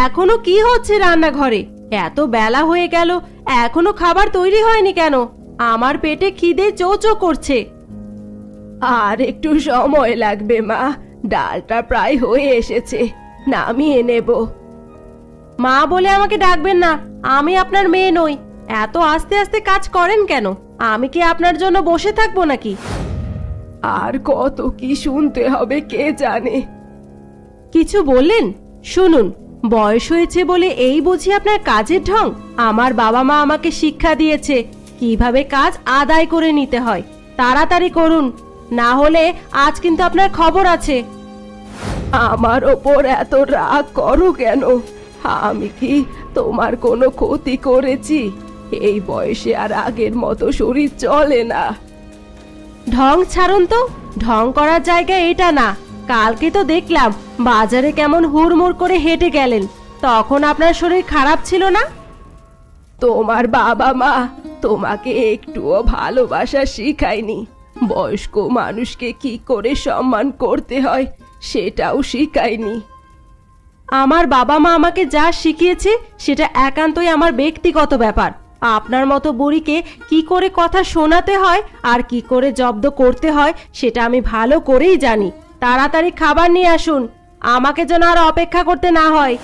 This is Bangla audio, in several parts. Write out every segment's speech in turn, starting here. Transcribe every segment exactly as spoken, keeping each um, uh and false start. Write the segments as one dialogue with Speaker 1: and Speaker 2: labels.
Speaker 1: এখনো কি হচ্ছে রান্নাঘরে? এত বেলা হয়ে গেল, এখনো খাবার তৈরি হয়নি কেন? আমার পেটে খিদে চো চো করছে। আর একটু সময় লাগবে মা, ডালটা প্রায় হয়ে এসেছে, নামিয়ে নেব। মা বলে আমাকে ডাকবেন না, আমি আপনার মেয়ে নই। এত আস্তে আস্তে কাজ করেন কেন? আমি কি আপনার জন্য বসে থাকবো নাকি? আর কত কি শুনতে হবে কে জানে। কিছু বললেন? শুনুন, বয়স হয়েছে বলে এই বুঝি আপনার কাজের ঢং? আমার বাবা মা আমাকে শিক্ষা দিয়েছে কিভাবে কাজ আদায় করে নিতে হয়। তাড়াতাড়ি করুন, না হলে আজ কিন্তু আপনার খবর আছে। আমার ওপর এত রাগ করো কেন? আমি কি তোমার কোনো ক্ষতি করেছি? এই বয়সে আর আগের মতো শরীর চলে না। ঢং ছাড়ুন তো, ঢং করার জায়গা এটা না। কালকে তো দেখলাম বাজারে কেমন হুড়মুড় করে হেঁটে গেলেন, তখন আপনার শরীর খারাপ ছিল না? তোমার বাবা মা তোমাকে একটুও ভালোবাসা শিখায়নি। বয়স্ক মানুষকে কি করে সম্মান করতে হয় সেটাও শিখায়নি। আমার বাবা মা আমাকে যা শিখিয়েছে সেটা একান্তই আমার ব্যক্তিগত ব্যাপার। আপনার মতো বুড়িকে কি করে কথা শোনাতে হয় আর কি করে জব্দ করতে হয় সেটা আমি ভালো করেই জানি। তাড়াতাড়ি খাবার নিয়ে আসুন, আমাকে যেন আর অপেক্ষা করতে না হয়।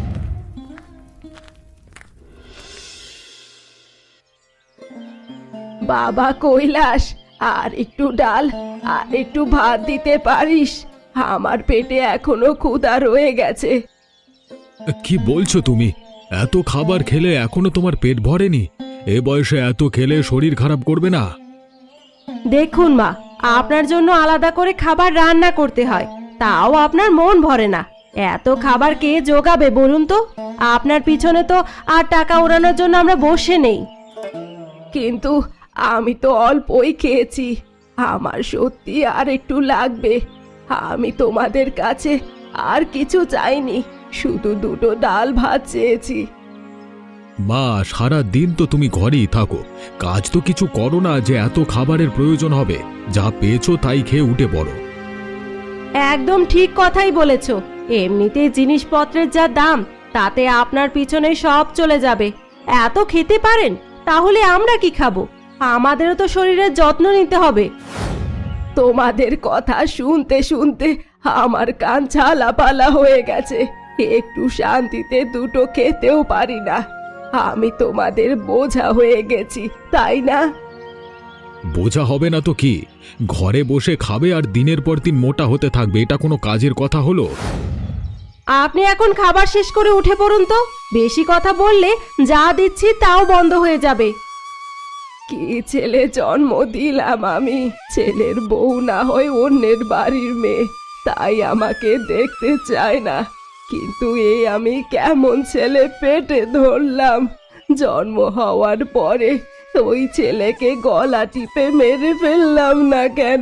Speaker 1: বাবা কৈলাস, আর একটু ডাল আর একটু ভাত দিতে পারিস? আমার পেটে এখনো ক্ষুধা রয়ে গেছে।
Speaker 2: কি বলছো তুমি? এত খাবার খেলে এখনো তোমার পেট ভরেনি? এ বয়সে এত খেলে শরীর খারাপ করবে না?
Speaker 1: দেখুন মা, আপনার জন্য আলাদা করে খাবার রান্না করতে হয়, তাও আপনার মন ভরে না। এত খাবার কে জোগাবে বলুন তো? আপনার পিছনে তো আর টাকা ওড়ানোর জন্য আমরা বসে নেই। কিন্তু আমি তো অল্পই খেয়েছি, আমার সত্যি আর একটু লাগবে। আমি তোমাদের কাছে আর কিছু চাইনি, শুধু দুটো ডাল ভাত চেয়েছি।
Speaker 2: মা, সারা দিন তো তুমি ঘরেই থাকো, কাজ তো কিছু করো না যে এত খাবারের প্রয়োজন হবে। যা পেয়েছো তাই খেয়ে উঠে পড়ো।
Speaker 1: একদম ঠিক কথাই বলেছো। এমনিতে জিনিসপত্রের যা দাম, তাতে আপনার পিছনে সব চলে যাবে। এত খেতে পারেন, তাহলে আমরা কি খাবো? আমাদেরও তো শরীরের যত্ন নিতে হবে। তোমাদের কথা শুনতে শুনতে আমার কান ঝালাপালা হয়ে গেছে, একটু শান্তিতে দুটো খেতেও পারি না। আমি তোমাদের বোঝা হয়ে গেছি, তাই না?
Speaker 2: বোঝা হবে না তো কি? ঘরে বসে খাবে আর দিনের পর দিন মোটা হতে থাকবে, এটা কোনো কাজের কথা হলো?
Speaker 1: আপনি এখন খাবার শেষ করে উঠে পড়ুন তো। বেশি কথা বললে যা দিচ্ছি তাও বন্ধ হয়ে যাবে। কি ছেলে জন্ম দিলাম আমি! ছেলের বউ না হয় অন্যের বাড়ির মেয়ে, তাই আমাকে দেখতে চায় না। কিন্তু এই আমি কেমন ছেলে পেটে ধরলাম! জন্ম হওয়ার পরে ওই ছেলেকে গলা টিপে মেরে ফেললাম না কেন?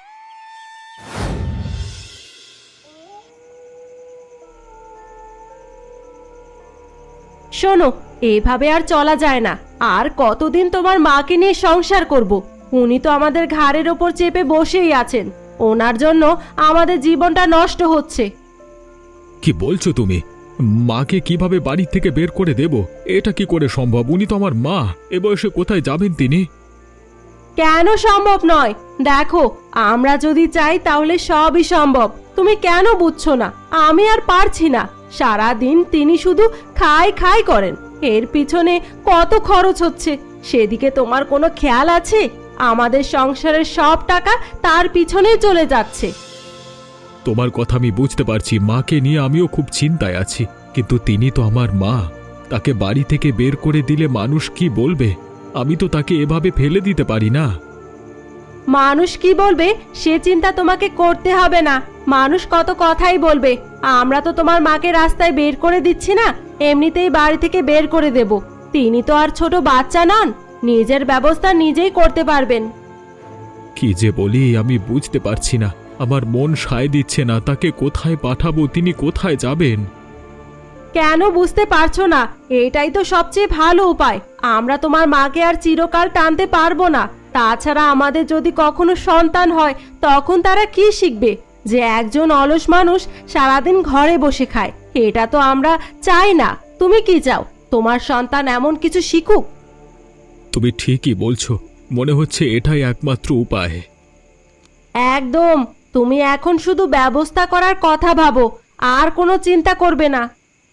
Speaker 1: শোনো, এভাবে আর চলা যায় না। আর কতদিন তোমার মাকে নিয়ে সংসার করব? উনি তো আমাদের ঘাড়ের ওপর চেপে বসেই আছেন। ওনার জন্য আমাদের জীবনটা নষ্ট হচ্ছে।
Speaker 2: কি বলছো তুমি? মাকে কিভাবে বাড়ি থেকে বের করে দেব? এটা কি করে সম্ভব? উনি তো আমার মা, এ বয়সে কোথায় যাবেন তিনি?
Speaker 1: কেন সম্ভব নয়? দেখো, আমরা যদি চাই তাহলে সবই সম্ভব। তুমি কেন বুঝছো না? আমি আর পারছি না। সারা দিন তিনি শুধু খাই খাই করেন, এর পিছনে কত খরচ হচ্ছে সেদিকে তোমার কোনো খেয়াল আছে? আমাদের সংসারের সব টাকা তার পিছনে চলে যাচ্ছে।
Speaker 2: তোমার কথা আমি বুঝতে পারছি, মাকে নিয়ে আমিও খুব চিন্তায় আছি, কিন্তু তিনি তো আমার মা। তাকে বাড়ি থেকে বের করে দিলে মানুষ কি বলবে? আমি তো তাকে এভাবে ফেলে দিতে পারি না।
Speaker 1: মানুষ কি বলবে সে চিন্তা তোমাকে করতে হবে না। মানুষ কত কথাই বলবে। আমরা তো তোমার মাকে রাস্তায় বের করে দিচ্ছি না, এমনিতেই বাড়ি থেকে বের করে দেব। তিনি তো আর ছোট বাচ্চা নন, নিজের ব্যবস্থা নিজেই করতে পারবেন।
Speaker 2: কি যে বলি আমি বুঝতে পারছি না, আমার মন সায় দিচ্ছে না। তাকে কোথায় পাঠাবো? তিনি কোথায় যাবেন?
Speaker 1: কেন বুঝতে পারছো না? এটাই তো সবচেয়ে ভালো উপায়। আমরা তোমার মাকে আর চিরকাল টানতে পারবো না। তাছাড়া আমাদের যদি কখনো সন্তান হয়, তখন তারা কি শিখবে? যে একজন অলস মানুষ সারাদিন ঘরে বসে খায়, এটা তো আমরা চাই না। তুমি কি চাও তোমার সন্তান এমন কিছু শিখুক?
Speaker 2: তুমি ঠিকই বলছো, মনে হচ্ছে এটাই একমাত্র উপায়।
Speaker 1: একদম। তুমি এখন শুধু ব্যবস্থা করার কথা ভাবো, আর কোনো চিন্তা করবে না।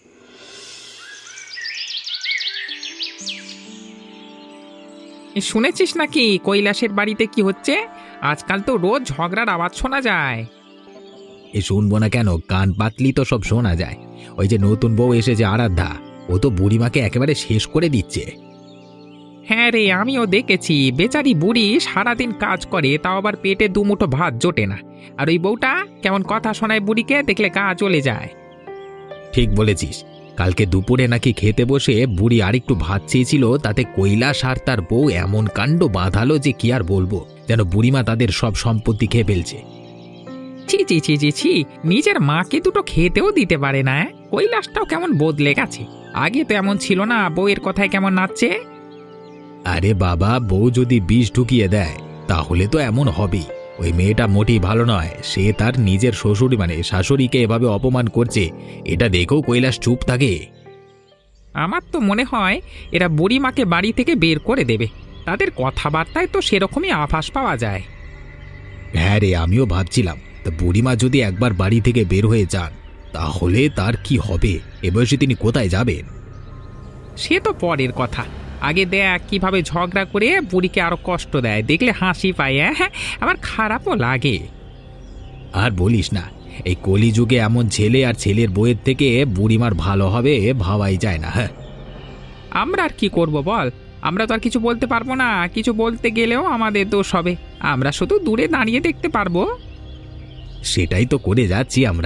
Speaker 3: এ শুনেছিস নাকি কৈলাসের বাড়িতে কি হচ্ছে? আজকাল তো রোজ ঝগড়ার আওয়াজ শোনা যায়।
Speaker 4: এ শুনবো না কেন, কান পাতলি তো সব শোনা যায়। ওই যে নতুন বউ এসেছে আরাধ্যা, ও তো বুড়িমাকে একেবারে শেষ করে দিচ্ছে।
Speaker 3: হ্যাঁ রে, আমিও দেখেছি। বেচারি বুড়ি সারাদিন কাজ করে, তাও আবার পেটে দুমুঠো ভাত জোটে না। আর ওই বউটা কেমন কথা শোনায় বুড়িকে, দেখলে গা চলে যায়।
Speaker 4: ঠিক বলেছিস, কালকে দুপুরে নাকি খেতে বসে বুড়ি আরেকটু ভাত চেয়েছিল, তাতে কৈলাস আর তার বউ এমন কাণ্ড বাঁধালো যে কি আর বলবো, যেন বুড়িমা তাদের সব সম্পত্তি খেয়ে ফেলছে।
Speaker 3: ছি ছি ছি ছি ছি, নিজের মাকে দুটো খেতেও দিতে পারে না। অ্যাঁ? কৈলাসটাও কেমন বদলে গেছে। আগে তো এমন ছিল না, বউয়ের কথায় কেমন নাচছে।
Speaker 4: আরে বাবা, বউ যদি বিষ ঢুকিয়ে দেয় তাহলে তো এমন হবেই। ওই মেয়েটা মোটেই ভালো নয়, সে তার নিজের শ্বশুরি মানে শাশুড়িকে এভাবে অপমান করছে, এটা দেখেও কৈলাস চুপ থাকে?
Speaker 3: আমার তো মনে হয় এরা বুড়িমাকে বাড়ি থেকে বের করে দেবে। তাদের কথাবার্তায় তো সেরকমই আভাস পাওয়া যায়।
Speaker 4: হ্যাঁ রে, আমিও ভাবছিলাম, তা বুড়িমা যদি একবার বাড়ি থেকে বের হয়ে যান তাহলে তার কি হবে? এ বয়সে তিনি কোথায় যাবেন?
Speaker 3: সে তো পরের কথা। আগে দেখ কিভাবে ঝগড়া করে বুড়িকে আরো কষ্ট দেয়, দেখলে হাসি পায়। হ্যাঁ, আমার খারাপও লাগে।
Speaker 4: আর বলিস না, এই কলিযুগে এমন ছেলে আর ছেলের বইয়ের থেকে বুড়িমার ভালো হবে ভাবাই যায় না। হ্যাঁ,
Speaker 3: আমরা আর কি করব বল? আমরা তো আর কিছু বলতে পারবো না। কিছু বলতে গেলেও আমাদের দোষ হবে। আমরা শুধু দূরে দাঁড়িয়ে দেখতে পারবো।
Speaker 4: সেটাই তো করে যাচ্ছি আমরা।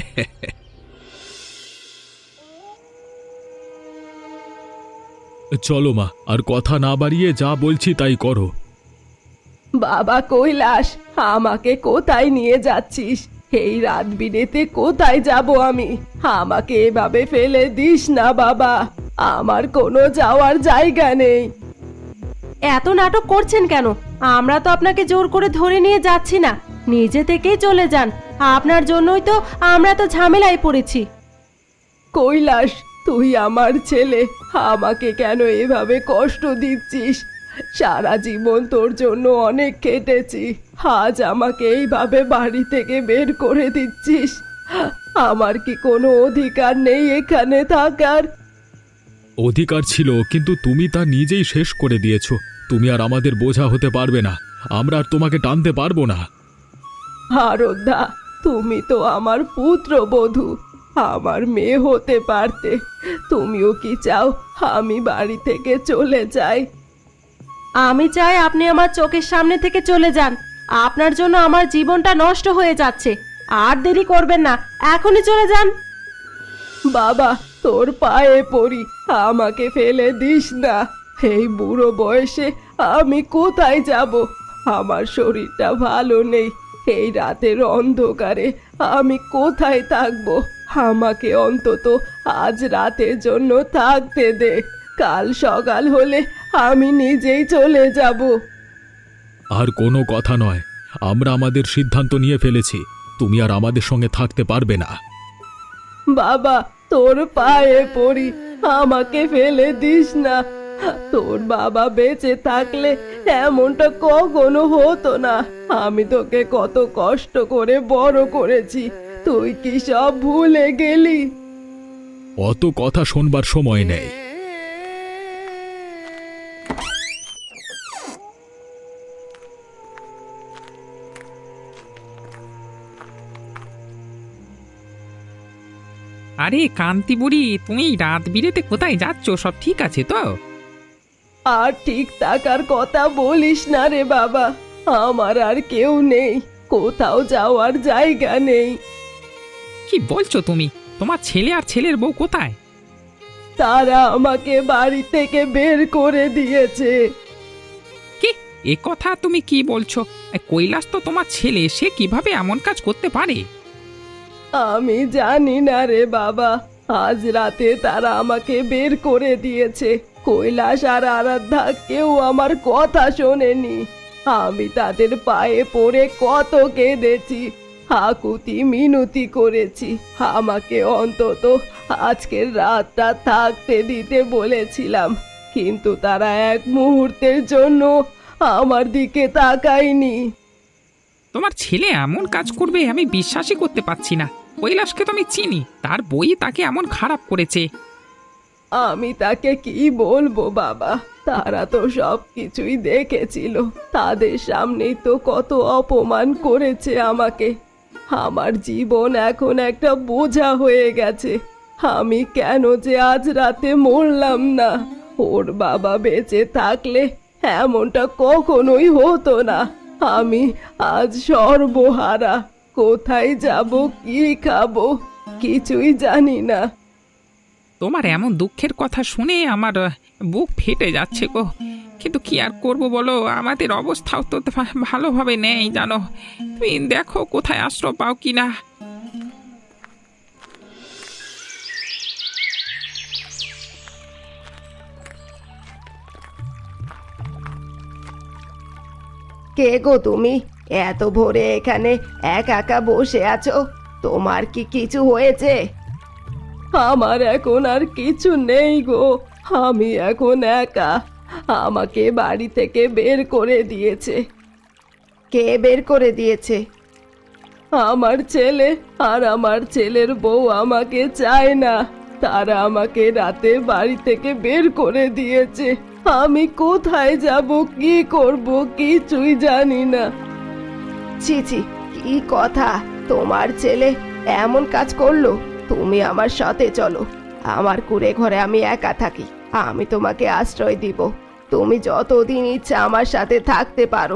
Speaker 2: চলো মা, আর কথা না বাড়িয়ে যা বলছি তাই করো।
Speaker 1: বাবা কৈলাস, আমাকে কোথায় নিয়ে যাচ্ছিস? এই রাত বিরেতে কোথায় যাব আমি? আমাকে এভাবে ফেলে দিস না বাবা, আমার কোনো যাওয়ার জায়গা নেই। এত নাটক করছেন কেন? আমরা তো আপনাকে জোর করে ধরে নিয়ে যাচ্ছি না, নিজে থেকেই চলে যান। আপনার জন্যই তো আমরা তো ঝামেলায় পড়েছি। কৈলাস, তুই আমার ছেলে, আমাকে কেন এভাবে কষ্ট দিচ্ছিস? সারা জীবন তোর জন্য অনেক কেটেছি, আজ আমাকে এইভাবে বাড়ি থেকে বের করে দিচ্ছিস? আমার কি কোনো অধিকার নেই এখানে থাকার?
Speaker 2: অধিকার ছিল, কিন্তু তুমি তা নিজেই শেষ করে দিয়েছো। তুমি আর আমাদের বোঝা হতে পারবে না, আমরা আর তোমাকে টানতে পারবো না।
Speaker 1: আরাধ্যা, তুমি তো আমার পুত্রবধূ, আমার মেয়ে হতে পারতে। তুমিও কি চাও আমি বাড়ি থেকে চলে যাই? আমি চাই আপনি আমার চোখের সামনে থেকে চলে যান। আপনার জন্য আমার জীবনটা নষ্ট হয়ে যাচ্ছে। আর দেরি করবেন না, এখনই চলে যান। বাবা, তোর পায়ে পড়ি, আমাকে ফেলে দিস না। এই বুড়ো বয়সে আমি কোথায় যাব? আমার শরীরটা ভালো নেই। এই রাতের অন্ধকারে আমি কোথায় থাকবো? আমাকে অন্তত আজ রাতের জন্য থাকতে দে। কাল সকাল হলে আমি নিজেই চলে যাব।
Speaker 2: আর কোনো কথা নয়, আমরা আমাদের সিদ্ধান্ত নিয়ে ফেলেছি। তুমি আর আমাদের সঙ্গে থাকতে পারবে না।
Speaker 1: বাবা, তোর পায়ে পড়ি, আমাকে ফেলে দিস না। তোর বাবা বেঁচে থাকলে এমনটা কখনো হতো না। আমি তোকে কত কষ্ট করে বড় করেছি, তুই কি সব ভুলে গেলি?
Speaker 2: অত কথা শোনবার সময় নেই।
Speaker 3: আরে কান্তি বুড়ি, তুমি রাত বিরেতে কোথায় যাচ্ছ? সব ঠিক আছে তো?
Speaker 1: আর ঠিক থাকার কথা বলিস না রে বাবা, আমার আর কেউ নেই, কোথাও যাওয়ার জায়গা নেই।
Speaker 3: কি বলছো তুমি? তোমার ছেলে আর ছেলের বউ কোথায়?
Speaker 1: তারা আমাকে বাড়ি থেকে বের করে দিয়েছে।
Speaker 3: কি এ কথা তুমি কি বলছো? এ, কৈলাস তো তোমার ছেলে, সে কিভাবে এমন কাজ করতে পারে?
Speaker 1: আমি জানি না রে বাবা, আজ রাতে তারা আমাকে বের করে দিয়েছে। কৈলাস আর আরাধ্যা কেউ আমার কথা শোনেনি। আমি তাদের পায়ে পড়ে কত কেঁদেছি, আকুতি মিনতি করেছি আমাকে অন্তত আজকের রাতটা থাকতে দিতে বলেছিলাম, কিন্তু তারা এক মুহূর্তের জন্য আমার দিকে তাকায়নি।
Speaker 3: তোমার ছেলে এমন কাজ করবে আমি বিশ্বাসই করতে পারছি না। কৈলাসকে তো আমি চিনি, তার বই তাকে এমন খারাপ করেছে।
Speaker 1: আমি তাকে কি বলবো বাবা, তারা তো সব কিছুই দেখেছিল, তাদের সামনেই তো কত অপমান করেছে আমাকে। আমার জীবন এখন একটা বোঝা হয়ে গেছে। আমি কেন যে আজ রাতে মরলাম না? ওর বাবা বেঁচে থাকলে এমনটা কখনোই হতো না। আমি আজ সর্বহারা, কোথায় যাব, কি খাবো, কিছুই জানি না।
Speaker 3: তোমার এমন দুঃখের কথা শুনে আমার আহ, বুক ফেটে যাচ্ছে গো। কিন্তু কি আর করব বলো, আমাদের অবস্থাও তো ভা- ভালোভাবে নেই জানো। তুমি দেখো কোথায় আশ্রয় পাও কিনা।
Speaker 1: কে গো তুমি? এত ভোরে এখানে একা একা বসে আছো, তোমার কি কিছু হয়েছে? আমার এখন আর কিছু নেই গো, আমি এখন একা। আমাকে বাড়ি থেকে বের করে দিয়েছে। কে বের করে দিয়েছে? আমার ছেলে আর আমার ছেলের বউ আমাকে চায় না, তারা আমাকে রাতে বাড়ি থেকে বের করে দিয়েছে। আমি কোথায় যাব, কি করব, কিছুই জানি না। ছি ছি, কি কথা! তোমার ছেলে এমন কাজ করলো? তুমি আমার সাথে চলো, আমার কুঁড়ে ঘরে আমি একা থাকি, আমি তোমাকে আশ্রয় দিব। তুমি যতদিন ইচ্ছা আমার সাথে থাকতে পারো।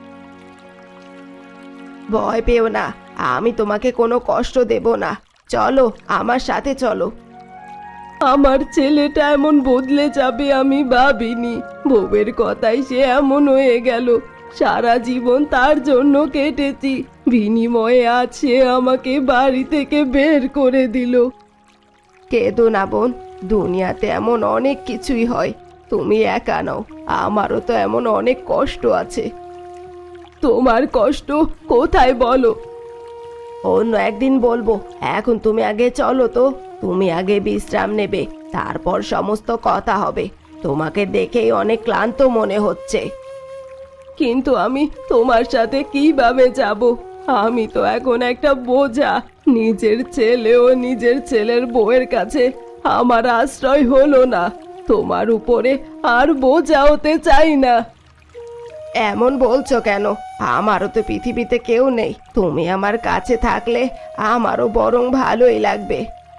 Speaker 1: ভয় পেও না, আমি তোমাকে কোনো কষ্ট দেব না। চলো, আমার সাথে চলো। আমার ছেলেটা এমন বদলে যাবে আমি ভাবিনি। বউয়ের কথাই সে এমন হয়ে গেল। সারা জীবন তার জন্য কেটেছি, বিনিময়ে আজ সে আমাকে বাড়ি থেকে বের করে দিল। কেঁদো না বোন, দুনিয়াতে এমন অনেক কিছুই হয়, তুমি একা নও, আমারও তো এমন অনেক কষ্ট আছে। তোমার কষ্ট কোথায় বলো? অন্য একদিন বলবো, এখন তুমি আগে চলো তো। তুমি আগে বিশ্রাম নেবে, তারপর সমস্ত কথা হবে। তোমাকে দেখেই অনেক ক্লান্ত মনে হচ্ছে। কিন্তু আমি তোমার সাথে কিভাবে যাব? আমি তো এখন একটা বোঝা। নিজের ছেলে ও নিজের ছেলের বউয়ের কাছে আমার আশ্রয় হলো না, তোমার উপরে আর বোঝা হতে চাই না। এমন বলছো কেন? আমারও তো পৃথিবীতে কেউ নেই, তুমি আমার কাছে থাকলে আমারও বরং ভালোই লাগবে।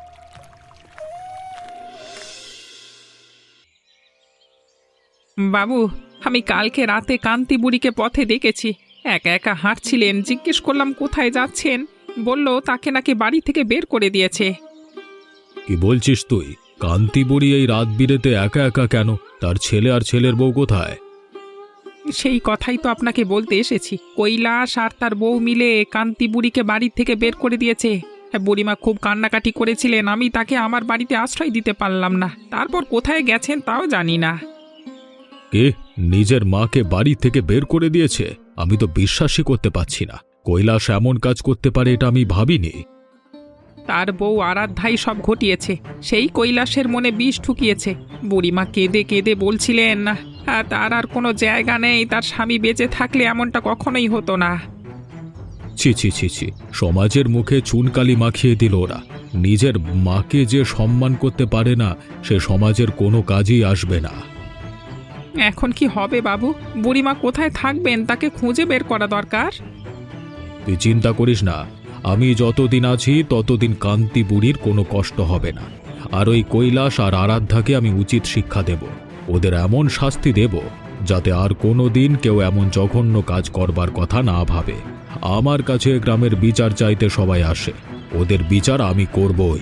Speaker 3: বাবু, আমি কালকে রাতে কান্তি বুড়িকে পথে দেখেছি, একা একা হাঁটছিলেন। জিজ্ঞেস করলাম কোথায় যাচ্ছেন, বলল তাকে নাকি বাড়ি থেকে বের করে দিয়েছে।
Speaker 2: কি বলছিস তুই? কান্তি বুড়ি এই রাত বিরেতে একা একা কেন? তার ছেলে আর ছেলের বউ কোথায়?
Speaker 3: সেই কথাই তো আপনাকে বলতে এসেছি। কৈলাস আর তার বউ মিলে কান্তি বুড়িকে বাড়ি থেকে বের করে দিয়েছে। বুড়িমা খুব কান্নাকাটি করেছিলেন, আমি তাকে আমার বাড়িতে আশ্রয় দিতে পারলাম না। তারপর কোথায় গেছেন তাও জানি না।
Speaker 2: কে নিজের মাকে বাড়ি থেকে বের করে দিয়েছে? আমি তো বিশ্বাসই করতে পারছি না। কৈলাস এমন কাজ করতে পারে এটা আমি ভাবিনি।
Speaker 3: তার বউ আরাধ্যাই সব ঘটিয়েছে, সেই কৈলাসের মনে বিষ ঠুকিয়েছে। বুড়িমা কেঁদে কেঁদে বলছিলেন না তার আর কোনো জায়গা নেই, তার স্বামী বেঁচে থাকলে এমনটা কখনোই হতো না।
Speaker 2: ছি ছি ছি ছি, সমাজের মুখে চুনকালি মাখিয়ে দিল ওরা। নিজের মাকে যে সম্মান করতে পারে না, সে সমাজের কোনো কাজেই আসবে না।
Speaker 3: এখন কি হবে বাবু? বুড়িমা কোথায় থাকবেন তাকে খুঁজে বের করা দরকার।
Speaker 2: তুই চিন্তা করিস না, আমি যতদিন আছি ততদিন কান্তি বুড়ির কোনো কষ্ট হবে না। আর ওই কৈলাস আর আরাধ্যাকে আমি উচিত শিক্ষা দেব, ওদের এমন শাস্তি দেব যাতে আর কোনো দিন কেউ এমন জঘন্য কাজ করবার কথা না ভাবে। আমার কাছে গ্রামের বিচার চাইতে সবাই আসে, ওদের বিচার আমি করবই।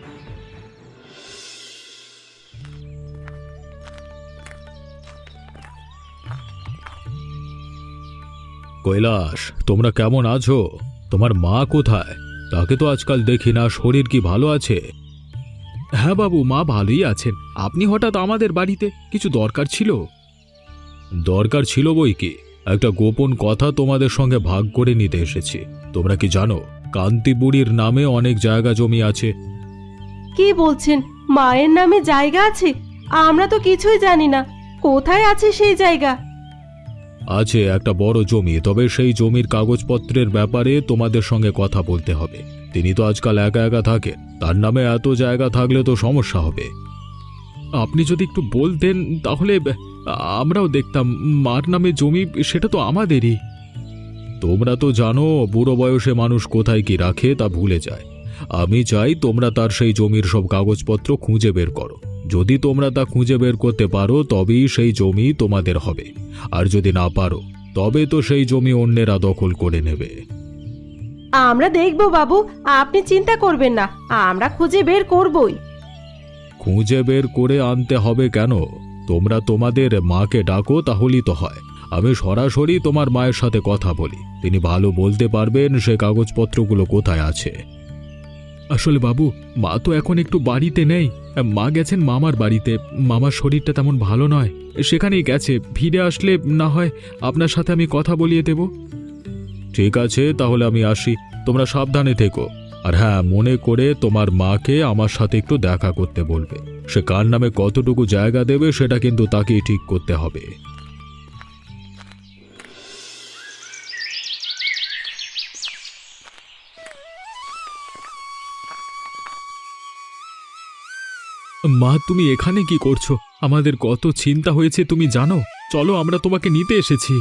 Speaker 2: কৈলাস, তোমরা কেমন আছো? তোমার মা কোথায়? তাকে তো আজকাল দেখি না, শরীর কি ভালো আছে? হ্যাঁ বাবু, মা ভালোই আছেন। আপনি হঠাৎ আমাদের বাড়িতে, কিছু দরকার ছিল? দরকার ছিল বই কি, একটা গোপন কথা তোমাদের সঙ্গে ভাগ করে নিতে এসেছি। তোমরা কি জানো কান্তি বুড়ির নামে অনেক জায়গা জমি আছে।
Speaker 1: কি বলছেন? মায়ের নামে জায়গা আছে? আমরা তো কিছুই জানি না। কোথায় আছে সেই জায়গা?
Speaker 2: আছে একটা বড় জমি, তবে সেই জমির কাগজপত্রের ব্যাপারে তোমাদের সঙ্গে কথা বলতে হবে। তিনি তো আজকাল একা একা থাকে, তার নামে এত জায়গা থাকলে তো সমস্যা হবে। আপনি যদি একটু বলতেন তাহলে আমরাও দেখতাম। মার নামে জমি, সেটা তো আমাদেরই। তোমরা তো জানো বুড়ো বয়সে মানুষ কোথায় কি রাখে তা ভুলে যায়। আমি চাই তোমরা তার সেই জমির সব কাগজপত্র খুঁজে বের করো। যদি তোমরা তা খুঁজে বের করতে পারো তবেই সেই জমি তোমাদের হবে, আর যদি না পারো তবে তো সেই জমি অন্যেরা দখল করে নেবে।
Speaker 1: আমরা দেখব বাবু, আপনি চিন্তা করবেন না, আমরা খুঁজে বের করবই।
Speaker 2: খুঁজে বের করে আনতে হবে কেন? তোমরা তোমাদের মাকে ডাকো, তাহলেই তো হয়। আমি সরাসরি তোমার মায়ের সাথে কথা বলি, তিনি ভালো বলতে পারবেন সে কাগজপত্রগুলো কোথায় আছে। আসলে বাবু, মা তো এখন একটু বাড়িতে নেই। মা গেছেন মামার বাড়িতে। মামার শরীরটা তেমন ভালো নয়, সেখানেই গেছে। ফিরে আসলে না হয় আপনার সাথে আমি কথা বলিয়ে দেব। ঠিক আছে, তাহলে আমি আসি। তোমরা সাবধানে থেকো। আর হ্যাঁ, মনে করে তোমার মাকে আমার সাথে একটু দেখা করতে বলবে। সে কার নামে কতটুকু জায়গা দেবে সেটা কিন্তু তাকেই ঠিক করতে হবে। মা, তুমি এখানে কি করছো? আমাদের কত চিন্তা হয়েছে তুমি জানো। চলো, আমরা তোমাকে নিতে এসেছি।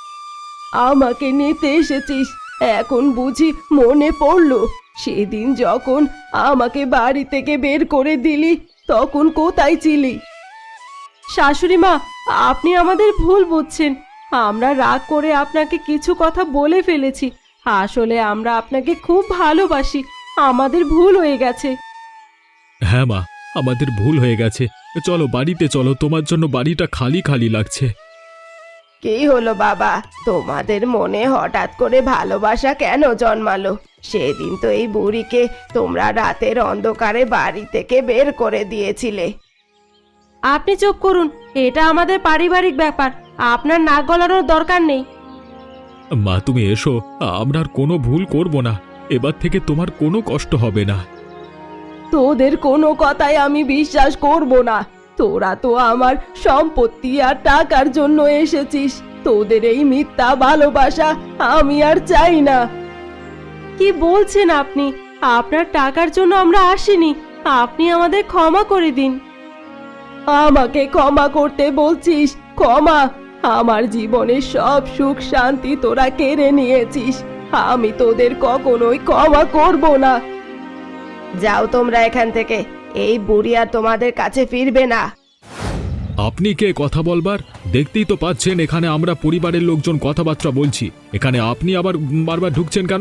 Speaker 1: আমাকে নিতে এসেছিস? এখন বুঝি মনে পড়লো সেদিন যখন আমাকে বাড়ি থেকে বের করে দিলি, তখন কোথায় ছিলি? শাশুড়ি মা, আপনি আমাদের ভুল বুঝছেন। আমরা রাগ করে আপনাকে কিছু কথা বলে ফেলেছি। আসলে আমরা আপনাকে খুব ভালোবাসি। আমাদের ভুল হয়ে গেছে।
Speaker 2: হ্যাঁ মা, আমাদের ভুল হয়ে গেছে। চলো বাড়িতে চলো, তোমার জন্য বাড়িটা খালি খালি লাগছে।
Speaker 1: কি হলো বাবা, তোমাদের মনে হঠাৎ করে ভালোবাসা কেন জন্মালো? সেদিন তো এই বুড়িকে তোমরা রাতের অন্ধকারে বাড়ি থেকে বের করে দিয়েছিলে। আপনি চুপ করুন, এটা আমাদের পারিবারিক ব্যাপার। আপনার নাক গলানোর দরকার নেই।
Speaker 2: মা, তুমি এসো, আমরা আর কোনো ভুল করব না। এবার থেকে তোমার কোনো কষ্ট হবে না।
Speaker 1: তোদের কোনো কথাই আমি বিশ্বাস করব না। তোরা তো আমার সম্পত্তি আর টাকার জন্য এসেছিস। তোদের এই মিথ্যা ভালোবাসা আমি আর চাই না। কি বলছেন আপনি? আপনার টাকার জন্য আমরা আসিনি। আপনি আমাদের ক্ষমা করে দিন। আমাকে ক্ষমা করতে বলছিস? ক্ষমা? আমার জীবনের সব সুখ শান্তি তোরা কেড়ে নিয়েছিস। আমি তোদের কখনোই ক্ষমা করব না। যাও তোমরা এখান থেকে। এই বুড়ি আর তোমাদের কাছে ফিরবে না।
Speaker 2: আপনি কে কথা বলবার? দেখতেই তো পাচ্ছেন এখানে আমরা পরিবারের লোকজন কথাবার্তা বলছি। এখানে আপনি আবার বারবার ঢুকছেন কেন?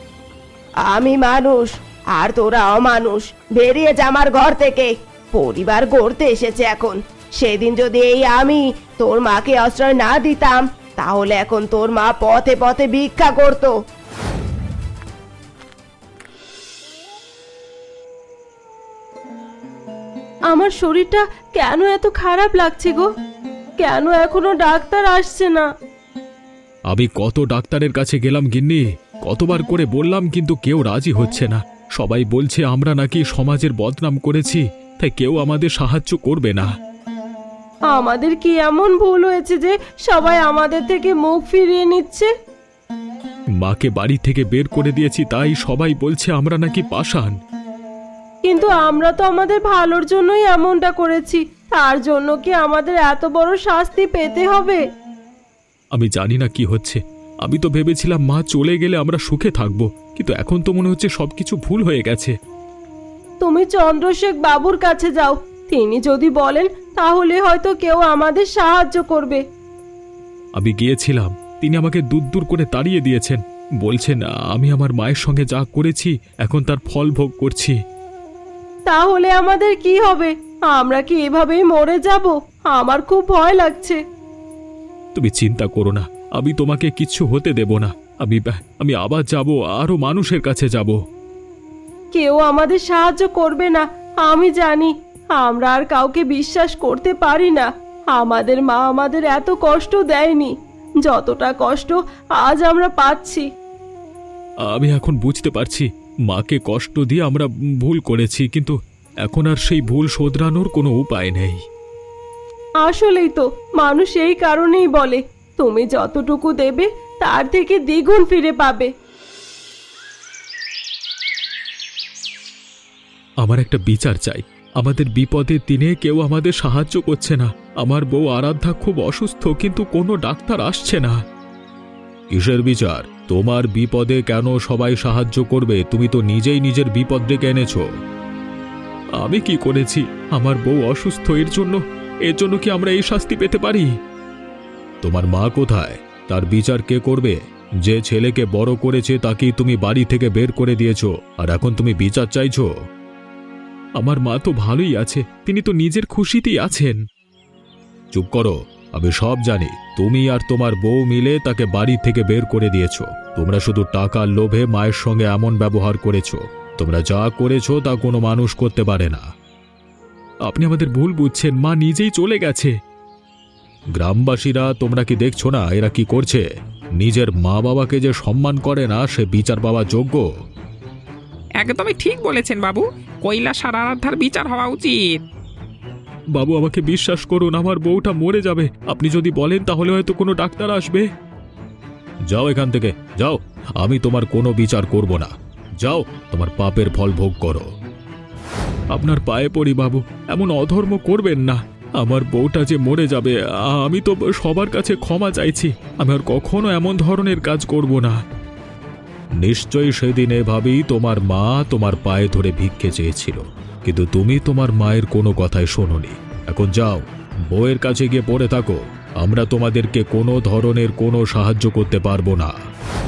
Speaker 1: আমি মানুষ আর তোরা অমানুষ। বেরিয়ে যা আমার ঘর থেকে। পরিবার গড়তে এসেছে এখন। সেদিন যদি এই আমি তোর মাকে আশ্রয় না দিতাম, তাহলে এখন তোর মা পথে পথে ভিক্ষা করতো। আমার শরীরটা কেন এত খারাপ লাগছে গো? কেন এখনো ডাক্তার আসছে না?
Speaker 2: আমি কত ডাক্তারের কাছে গেলাম গিন্নি, কতবার করে বললাম, কিন্তু কেউ রাজি হচ্ছে না। সবাই বলছে আমরা নাকি সমাজের বদনাম করেছি, তাই কেউ আমাদের সাহায্য করবে না।
Speaker 1: আমাদের কি এমন ভুল হয়েছে যে সবাই আমাদের থেকে মুখ ফিরিয়ে নিচ্ছে?
Speaker 2: মাকে বাড়ি থেকে বের করে দিয়েছি, তাই সবাই বলছে আমরা নাকি পাষাণ।
Speaker 1: কিন্তু আমরা তো আমাদের ভালোর জন্যই এমনটা করেছি। তার জন্য কি আমাদের এত বড় শাস্তি পেতে হবে?
Speaker 2: আমি জানি না কি হচ্ছে। আমি তো ভেবেছিলাম মা চলে গেলে আমরা সুখে থাকবো, কিন্তু এখন তো মনে হচ্ছে সবকিছু ভুল হয়ে গেছে।
Speaker 1: তুমি চন্দ্রশেখ বাবুর কাছে যাও। তিনি যদি বলেন তাহলে হয়তো কেউ আমাদের সাহায্য করবে।
Speaker 2: আমি গিয়েছিলাম, তিনি আমাকে দূর দূর করে তাড়িয়ে দিয়েছেন। বলছেন আমি আমার মায়ের সঙ্গে যা করেছি এখন তার ফল ভোগ করছি।
Speaker 1: তাহলে আমাদের কি হবে? আমরা কি এভাবেই মরে যাব? আমার খুব ভয় লাগছে।
Speaker 2: তুমি চিন্তা করো না, আমি তোমাকে কিচ্ছু হতে দেব না। আমি আমি আবার যাব, আরো মানুষের কাছে যাব।
Speaker 1: কেউ আমাদের সাহায্য করবে না, আমি জানি। আমরা আর কাউকে বিশ্বাস করতে পারি না। আমাদের মা আমাদের এত কষ্ট দেয়নি যতটা কষ্ট আজ আমরা পাচ্ছি।
Speaker 2: আমি এখন বুঝতে পারছি মাকে কষ্ট দিয়ে আমরা ভুল করেছি, কিন্তু এখন আর সেই ভুল শোধরানোর কোনো উপায় নেই।
Speaker 1: আসলেই তো মানুষ এই কারণেই বলে তুমি যতটুকু দেবে তার থেকে দ্বিগুণ ফিরে পাবে।
Speaker 2: আমার একটা বিচার চাই। আমাদের বিপদের দিনে কেউ আমাদের সাহায্য করছে না। আমার বউ আরাধ্যা খুব অসুস্থ, কিন্তু কোনো ডাক্তার আসছে না। কিসের বিচার? তোমার বিপদে কেন সবাই সাহায্য করবে? তুমি তো নিজেই নিজের বিপদ ডেকে এনেছো। আমি কি করেছি? আমার বউ অসুস্থ, এর জন্য এর জন্য কি আমরা এই শাস্তি পেতে পারি? তোমার মা কোথায়? তার বিচার কে করবে? যে ছেলেকে বড় করেছে তাকেই তুমি বাড়ি থেকে বের করে দিয়েছো, আর এখন তুমি বিচার চাইছো? আমার মা তো ভালোই আছে, তিনি তো নিজের খুশিতেই আছেন। চুপ করো, আমি সব জানি। তুমি আর তোমার বউ মিলে তাকে বাড়ি থেকে বের করে দিয়েছো। তোমরা শুধু টাকার লোভে মায়ের সঙ্গে এমন ব্যবহার করেছো। তোমরা যা করেছো তা কোনো মানুষ করতে পারে না। আপনি আমাদের ভুল বুঝছেন, মা নিজেই চলে গেছে। গ্রামবাসীরা তোমরা কি দেখছো না এরা কি করছে? নিজের মা বাবাকে যে সম্মান করে না সে বিচার পাওয়ার যোগ্য।
Speaker 3: একদমই ঠিক বলেছেন বাবু, কৈলাস আর আরাধ্যার বিচার হওয়া উচিত।
Speaker 2: বাবু, আমাকে বিশ্বাস করুন, আমার বউটা মরে যাবে। আপনি যদি বলেন তাহলে হয়তো কোনো ডাক্তার আসবে। যাও এখান থেকে, যাও। আমি তোমার কোনো বিচার করব না। যাও, তোমার পাপের ফল ভোগ করো। আপনার পায়ে পড়ি বাবু, এমন অধর্ম করবেন না। আমার বউটা যে মরে যাবে, আমি তো সবার কাছে ক্ষমা চাইছি। আমি আর কখনো এমন ধরনের কাজ করব না। নিশ্চয়ই সেদিন এভাবেই তোমার মা তোমার পায়ে ধরে ভিক্ষে চেয়েছিল, কিন্তু তুমি তোমার মায়ের কোনো কথাই শোনোনি। এখন যাও, বউয়ের কাছে গিয়ে পড়ে থাকো। আমরা তোমাদেরকে কোনো ধরনের কোনো সাহায্য করতে পারবো না।